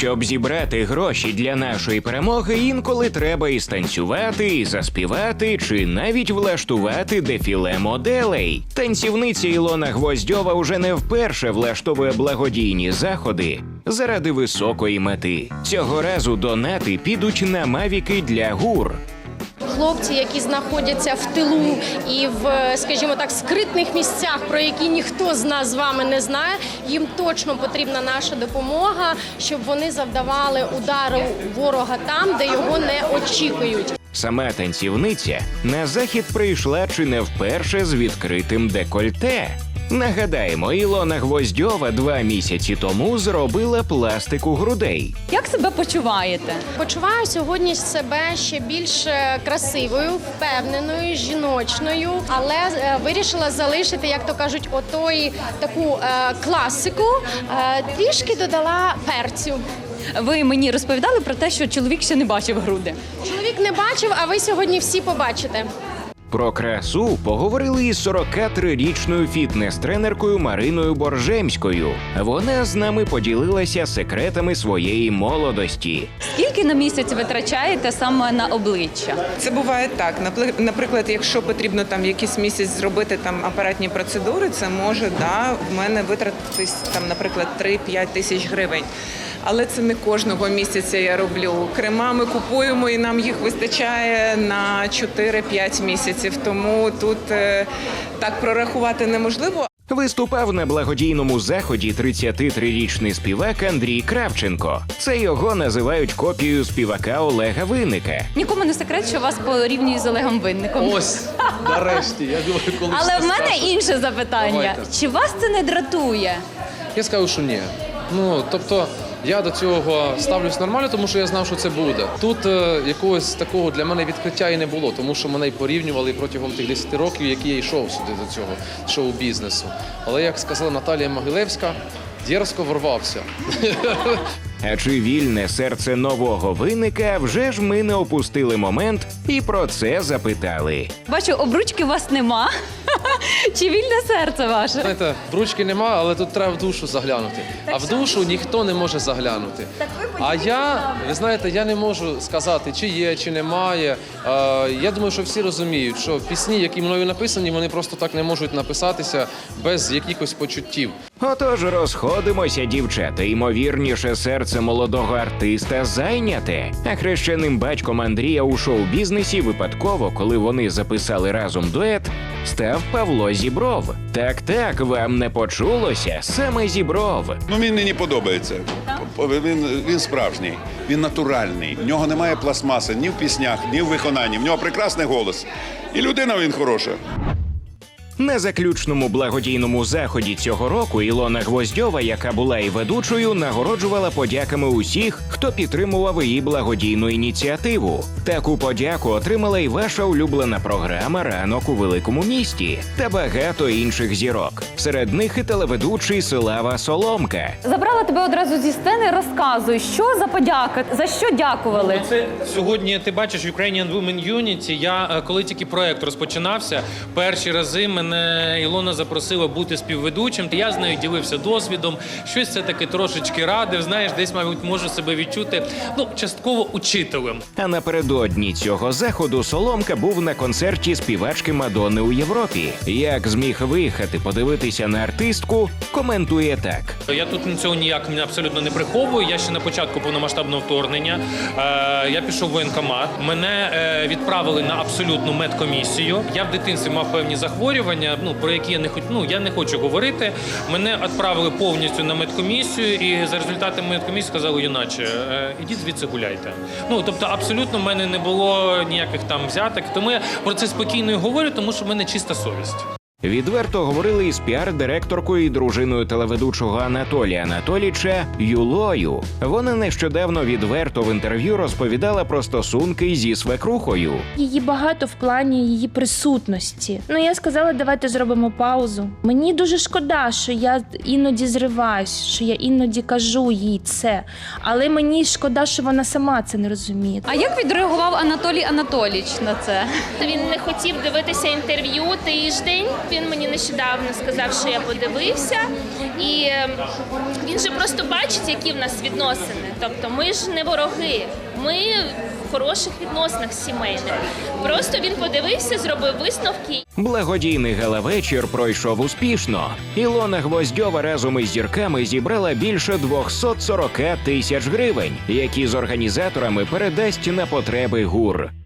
Щоб зібрати гроші для нашої перемоги, інколи треба і станцювати, і заспівати, чи навіть влаштувати дефіле моделей. Танцівниця Ілона Гвоздьова уже не вперше влаштовує благодійні заходи заради високої мети. Цього разу донати підуть на мавіки для ГУР. Хлопці, які знаходяться в тилу і в, скажімо так, скритних місцях, про які ніхто з нас з вами не знає, їм точно потрібна наша допомога, щоб вони завдавали удару ворога там, де його не очікують. Сама танцівниця на захід прийшла чи не вперше з відкритим декольте. Нагадаємо, Ілона Гвоздьова 2 місяці тому зробила пластику грудей. Як себе почуваєте? Почуваю сьогодні себе ще більш красивою, впевненою, жіночною, але вирішила залишити, як то кажуть, таку класику, трішки додала перцю. Ви мені розповідали про те, що чоловік ще не бачив груди. Чоловік не бачив, а ви сьогодні всі побачите. Про красу поговорили із 43-річною фітнес-тренеркою Мариною Боржемською. Вона з нами поділилася секретами своєї молодості. Скільки на місяць витрачаєте саме на обличчя? Це буває так. Наприклад, якщо потрібно там якийсь місяць зробити там апаратні процедури, це може в мене витратитись там, наприклад, 3-5 тисяч гривень. Але це не кожного місяця я роблю. Крема ми купуємо і нам їх вистачає на 4-5 місяців. Тому тут так прорахувати неможливо. Виступав на благодійному заході 33-річний співак Андрій Кравченко. Це його називають копією співака Олега Винника. Нікому не секрет, що вас порівнюють з Олегом Винником. Ось, нарешті, я думаю, коли Але в мене скажу. інше запитання. Давайте. Чи вас це не дратує? Я скажу, що ні. Тобто, я до цього ставлюсь нормально, тому що я знав, що це буде. Тут якогось такого для мене відкриття і не було, тому що мене й порівнювали протягом тих 10 років, які я йшов сюди до цього шоу-бізнесу. Але, як сказала Наталія Могилевська, дерзко ворвався. А чи вільне серце нового Винника, вже ж ми не опустили момент і про це запитали. Бачу, обручки у вас нема. Чи вільне серце ваше? Знаєте, в нема, але тут треба в душу заглянути. А в душу ніхто не може заглянути. А ви знаєте, я не можу сказати, чи є, чи немає. Я думаю, що всі розуміють, що пісні, які мною написані, вони просто так не можуть написатися без якихось почуттів. Отож, розходимося, дівчата. Ймовірніше, серце молодого артиста зайняте. А хрещеним батьком Андрія у шоу-бізнесі випадково, коли вони записали разом дует, став Павло Зібров. Так, вам не почулося, саме Зібров. Він мені подобається. Він справжній, він натуральний. В нього немає пластмаси ні в піснях, ні в виконанні. В нього прекрасний голос. І людина він хороша. На заключному благодійному заході цього року Ілона Гвоздьова, яка була і ведучою, нагороджувала подяками усіх, хто підтримував її благодійну ініціативу. Таку подяку отримала і ваша улюблена програма «Ранок у великому місті» та багато інших зірок. Серед них і телеведучий Слава Соломка. Забрала тебе одразу зі сцени, розказуй, що за подяка, за що дякували? Це сьогодні, ти бачиш, Ukrainian Women Unity. Я, коли тільки проект розпочинався, перші рази мене Ілона запросила бути співведучим. Я з нею ділився досвідом, щось все-таки трошечки радив, знаєш, десь, мабуть, можу себе відчути, частково учителем. А напередодні цього заходу Соломка був на концерті співачки Мадонни у Європі. Як зміг виїхати подивитися на артистку, коментує так. Я тут цього ніяк абсолютно не приховую. Я ще на початку повномасштабного вторгнення. Я пішов в воєнкомат. Мене відправили на абсолютну медкомісію. Я в дитинстві мав певні захворювання, про які я не хочу говорити. Мене відправили повністю на медкомісію, і за результатами медкомісії сказали, юначе, ідіть звідси гуляйте. Тобто абсолютно в мене не було ніяких там взяток. Тому я про це спокійно і говорю, тому що в мене чиста совість. Відверто говорили із піар-директоркою і дружиною телеведучого Анатолія Анатолійча Юлою. Вона нещодавно відверто в інтерв'ю розповідала про стосунки зі свекрухою. Її багато в плані її присутності. Я сказала, давайте зробимо паузу. Мені дуже шкода, що я іноді зриваюсь, що я іноді кажу їй це. Але мені шкода, що вона сама це не розуміє. А як відреагував Анатолій Анатолійович на це? Він не хотів дивитися інтерв'ю тиждень. він мені нещодавно сказав, що я подивився, і він же просто бачить, які в нас відносини. Тобто ми ж не вороги, ми в хороших відносинах сімейних. Просто він подивився, зробив висновки. Благодійний гала-вечір пройшов успішно. Ілона Гвоздьова разом із зірками зібрала більше 240 тисяч гривень, які з організаторами передасть на потреби ГУР.